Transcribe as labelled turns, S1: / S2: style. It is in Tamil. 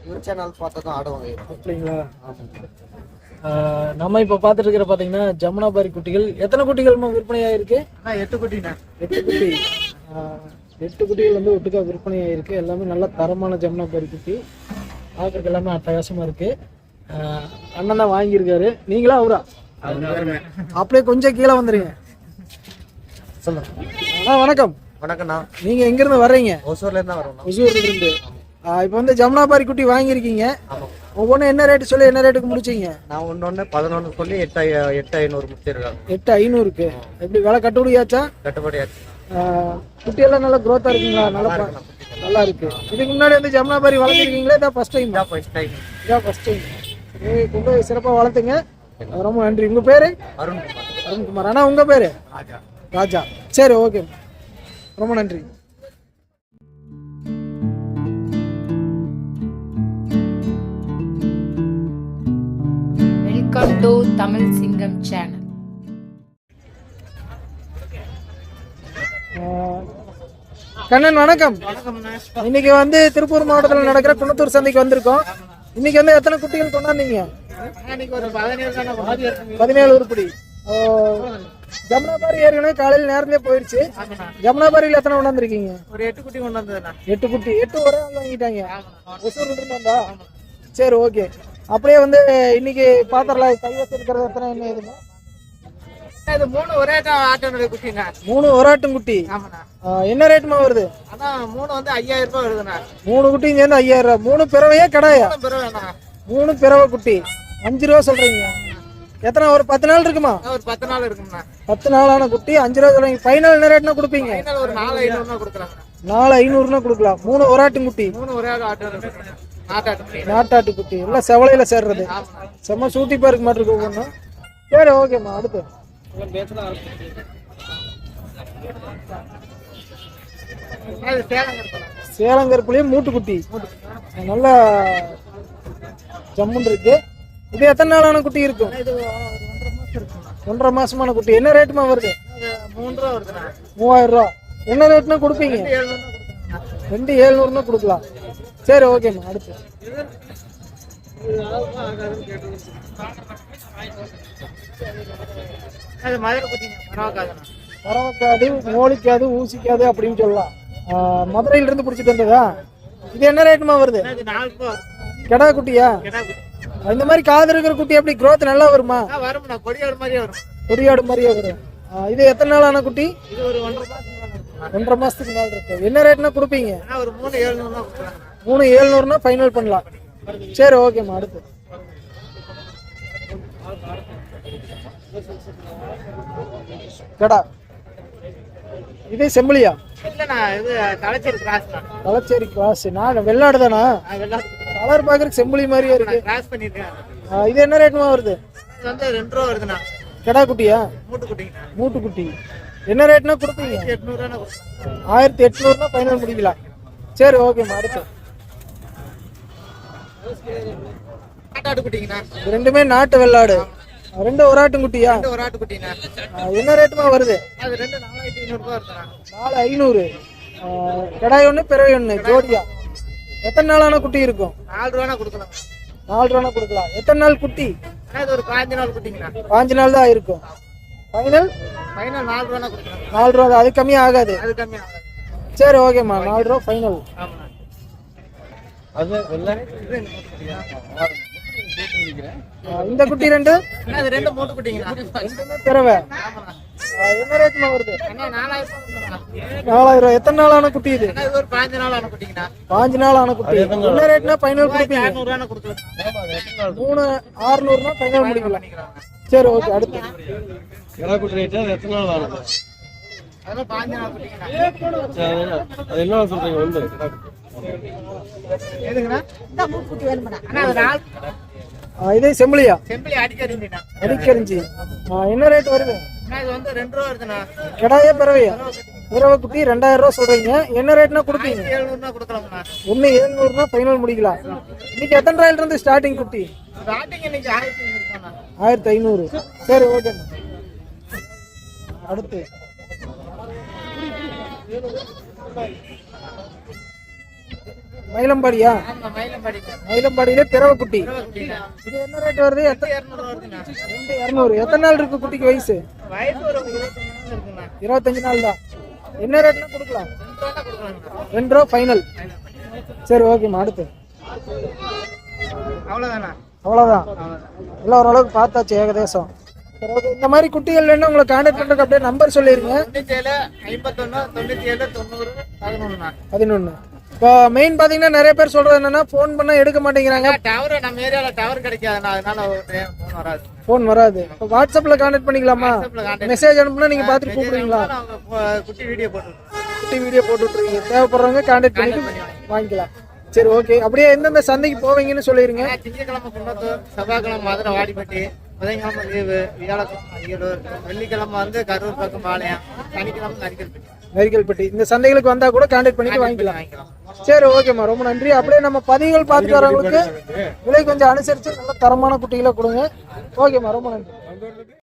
S1: இவர் சேனல் பார்த்தா தான் ஆடுவாங்க.
S2: அப்படிங்களா? நம்ம இப்போ பார்த்துட்டு இருக்கிற பார்த்தீங்கன்னா ஜமுனாபாரி குட்டிகள். எத்தனை குட்டிகள் விற்பனையாயிருக்கு?
S1: 8 குட்டிண்ணா.
S2: 8 குட்டி. 8 குட்டிகள் வந்து ஒட்டுக்கா விற்பனையாயிருக்கு. எல்லாமே நல்ல தரமான ஜமுனாபாரி குட்டி. பார்க்கறதுக்கு எல்லாமே அட்டகாசமாக இருக்கு. அண்ணன் தான் வாங்கியிருக்காரு. நீங்களா அவரா? அப்படியே கொஞ்சம் கீழே வந்துருங்க. சொல்லுங்க. வணக்கம்.
S1: வணக்கம்ண்ணா.
S2: நீங்க எங்க இருந்து வர்றீங்க?
S1: ஒசூர்ல இருந்து வரோம்.
S2: ஒசூர்ல இருந்து. இப்போ வந்து ஜமுனாபாரி குட்டி வாங்கியிருக்கீங்க. ஒவ்வொன்றும் என்ன ரேட்டு சொல்லி என்ன ரேட்டுக்கு முடிச்சிங்க?
S1: நான் ஒன்று 11 சொல்லி 8,500 முடிச்சிருக்காங்க.
S2: 8,500க்கு. எப்படி விலை கட்டுப்படியாச்சா?
S1: கட்டுப்படியாச்சு.
S2: குட்டியெல்லாம் நல்லா க்ரோத்தா இருக்குங்களா? நல்லா இருக்கு. இதுக்கு முன்னாடி வந்து ஜமுனாபாரி வளர்த்துருக்கீங்களா? இதான் ஃபர்ஸ்ட் டைம்? இதான் ஃபர்ஸ்ட் டைம். கொண்டு போய் சிறப்பாக வளர்த்துங்க. ரொம்ப நன்றி. உங்க பேரு? அருண்குமார். அண்ணா உங்க பேரு? ராஜா. சரி, ஓகே, ரொம்ப நன்றி.
S3: வெல்கம் டு தமிழ் சிங்கம் சேனல்.
S2: கண்ணன் வணக்கம். இன்னைக்கு வந்து திருப்பூர் மாவட்டத்தில் நடக்கிற குணத்தூர் சந்தைக்கு வந்திருக்கோம். இன்னைக்கு வந்து எத்தனை குட்டிகள் கொண்டாந்தீங்க? 17 உருப்படி. ஜமுனாபாரி ஏற்கனவே காலையில் நேரத்திலே போயிடுச்சு. ஜமுனாபாரியில் எத்தனை கொண்டாந்துருக்கீங்க?
S1: ஒரு 8 குட்டி கொண்டாந்து.
S2: 8 குட்டி. 8 ஒரே ஆள் வாங்கிட்டாங்க. ஒசூர்ல இருந்து வந்தா? சரி, ஓகே. அப்படியே வந்து இன்னைக்கு பாத்திரலாம் கைவசம் இருக்கிறது எத்தனை என்ன ஏதுங்க?
S1: இது 3 ஒரே ஆட்டோட குட்டிங்க.
S2: 3 ஒரு ஆட்டும் குட்டி. என்ன ரேட்டுமா வருது?
S1: அதான் 3 வந்து 5,000 ரூபாய் வருதுண்ணா.
S2: 3 குட்டியும் சேர்ந்து 5,000 ரூபாய். 3 பிறவையா கடாயா? 3 பிறவை குட்டி 5 ரூபா சொல்றீங்க. எத்தனை ஒரு 10 நாள் இருக்குமா?
S1: ஒரு 10 நாள் இருக்கும்ண்ணா.
S2: 10 நாளான குட்டி 5 ரூபா சொல்றீங்க. ஃபைனல் என்ன ரேட்னா கொடுப்பீங்க?
S1: ஒரு 4,500 கொடுக்குறாங்க.
S2: 4,500 கொடுக்கலாம். 3 ஒரு ஆட்டும் குட்டி.
S1: 3 ஒரே ஆட்டோ
S2: நாட்டாட்டு குட்டி. எல்லாம் செவலையில சேர்றது. செம்ம சூட்டி பார்க்க மாட்டிருக்கு ஒவ்வொன்றும். சரி, ஓகேம்மா. அடுத்து சேலங்கருப்புலயும் மூட்டுக்குட்டி நல்ல ஜம்முன் இருக்கு. இது எத்தனை நாளான குட்டி இருக்கும்? 1.5 மாசமான குட்டி. என்ன ரேட்டுமா வருது? 3,000 ரூபா. என்ன ரேட்னா கொடுப்பீங்க? 2,700 கொடுக்கலாம். சரி, ஓகேம்மா. அடுத்து பறவைக்காது, மோளிக்காது, ஊசிக்காது அப்படின்னு சொல்லலாம். மதுரையில இருந்து பிடிச்சிட்டு வந்ததா? இது என்ன ரேட்டுமா வருது? கெடா குட்டியா? இந்த மாதிரி காது இருக்கிற குட்டி எப்படி growth நல்லா வருமா? கொடியாடு மாதிரியே வரும். இது எத்தனை நாள் ஆன குட்டி? 1.5 மாசத்துக்கு மேல இருக்கு. என்ன ரேட்னா கொடுப்பீங்க? 3,700 ஃபைனல் பண்ணலாம். சரி, ஓகேம்மா. அடுத்து கடா. இது செம்பிளியா? தலைச்சேரி கிராஸ். நான் வெள்ளாடு தானா? கலர் பாக்குறதுக்கு செம்பிளி மாதிரியே இருக்கு. இது என்ன ரேட்மா வருது?
S1: 2 ரூபா வருதுண்ணா.
S2: கடா குட்டியா? மூட்டு குட்டி. என்ன ரேட்னா கொடுப்பீங்க? 1,800 ஃபைனல் முடிக்கலாம். சரி, ஓகேம்மா. அடுத்து ரெண்டுமே நாட்டு வெள்ளாடு. 2 ஒரு ஆட்டும் குட்டியா? என்ன ரேட்டுமா வருது? 4,500. கடாய் 1 பிறவை 1 ஜோடியா. எத்தனை நாளான குட்டி இருக்கும்?
S1: 4 ரூபா கொடுக்கலாம்.
S2: 4 ரூபா கொடுக்கலாம். எத்தனை நாள் குட்டி?
S1: ஒரு 5 நாள் குட்டிங்கண்ணா.
S2: 5 நாள் தான் இருக்கும். ஃபைனல்
S1: 4 ரூபா கொடுக்கலாம்.
S2: 4 ரூபா. அது கம்மியா ஆகாது? சரி, ஓகேம்மா. 4 ரூபா ஃபைனல். இந்த குட்டி 2
S1: மூட்டு குட்டிங்க.
S2: பிறவை. என்ன ரேட்மா வருது? 4,000 ரூபா. எத்தனை நாளான குட்டி இது?
S1: ஒரு 5 நாள் ஆன குட்டிங்கண்ணா.
S2: 5 நாள் ஆன குட்டி. என்ன ரேட்னா ஃபைனல் கொடுப்பீங்க?
S1: 200 கொடுக்கலாம்.
S2: 3,600 ஃபைனல் முடிக்கலாம். சரி, ஓகே. அடுத்து
S4: எத்தனை நாள் ஆனது?
S1: அதெல்லாம் 5 நாள் குட்டிங்கண்ணா.
S4: அது என்ன சொல்றீங்க?
S2: இதே செம்பிளியா?
S1: அடிக்கரிஞ்சி.
S2: என்ன ரேட் வருது?
S1: இது வந்து 2 ரூபா வருதுண்ணா.
S2: கடாயா பிறவையா? பிறவை குட்டி 2,000 ரூபா சொல்றீங்க. என்ன ரேட்னா கொடுப்பீங்க?
S1: 700 கொடுக்கலாம்ண்ணா.
S2: 1,700 ஃபைனல் முடிக்கலாம். இன்னைக்கு எத்தனை ரூபாயில இருந்து ஸ்டார்டிங் குட்டி?
S1: ஸ்டார்டிங் இன்னைக்கு
S2: 1,500. சரி, ஓகே. அடுத்து மயிலம்பாடியா? மயிலம்பாடியிலே பிறவை குட்டி. இது என்ன ரேட் வருது? 2,200. எத்தனை நாள் இருக்கு குட்டிக்கு வயசு? 25 நாள் தான். என்ன ரேட்னா கொடுக்கலாம்? 2 ரூபா ஃபைனல். சரி ஓகேம்மா. அடுத்து அவ்வளோதான். எல்லாம் ஓரளவுக்கு பார்த்தாச்சு ஏகதேசம். சரி ஓகே. இந்த மாதிரி குட்டிகள் வேணும் உங்களை கான்டாக்ட் பண்ணுறதுக்கு அப்படியே நம்பர் சொல்லிடுங்க. 11. இப்போ மெயின் பார்த்தீங்கன்னா நிறைய பேர் சொல்றது என்னன்னா ஃபோன் பண்ணால் எடுக்க மாட்டேங்கிறாங்க.
S1: நம்ம ஏரியால டவர் கிடைக்காது, அதனால ஃபோன் வராது.
S2: ஃபோன் வராது. இப்போ வாட்ஸ்அப்பில் கான்டாக்ட் பண்ணிக்கலாமா? மெசேஜ் அனுப்புனா நீங்கள் பார்த்துட்டு கூப்பிடுவீங்களா?
S1: குட்டி வீடியோ
S2: போட்டு விட்டுருவீங்க. தேவைப்படுறவங்க கான்டாக்ட் பண்ணிட்டு வாங்கிக்கலாம். சரி ஓகே. அப்படியே எந்தெந்த சந்தைக்கு போவீங்கன்னு சொல்லிடுங்க.
S1: திங்கக்கிழமை குன்னத்தூர், செவ்வாய்க்கிழமை மதுரை வாடிப்பட்டி, புதன்கிழமை லீவு, வியாழக்கிழமை அரியலூர், வெள்ளிக்கிழமை வந்து கரூர் பக்கம் பாளையம், சனிக்கிழமை
S2: நரிக்கல்பட்டி. இந்த சந்தைகளுக்கு வந்தா கூட கான்டாக்ட் பண்ணிட்டு வாங்கிக்கலாம். சரி ஓகேம்மா, ரொம்ப நன்றி. அப்படியே நம்ம பதிவுகள் பார்த்துட்டு வரவங்களுக்கு விலை கொஞ்சம் அனுசரிச்சு நல்ல தரமான குட்டிகளை கொடுங்க. ஓகேம்மா, ரொம்ப நன்றி.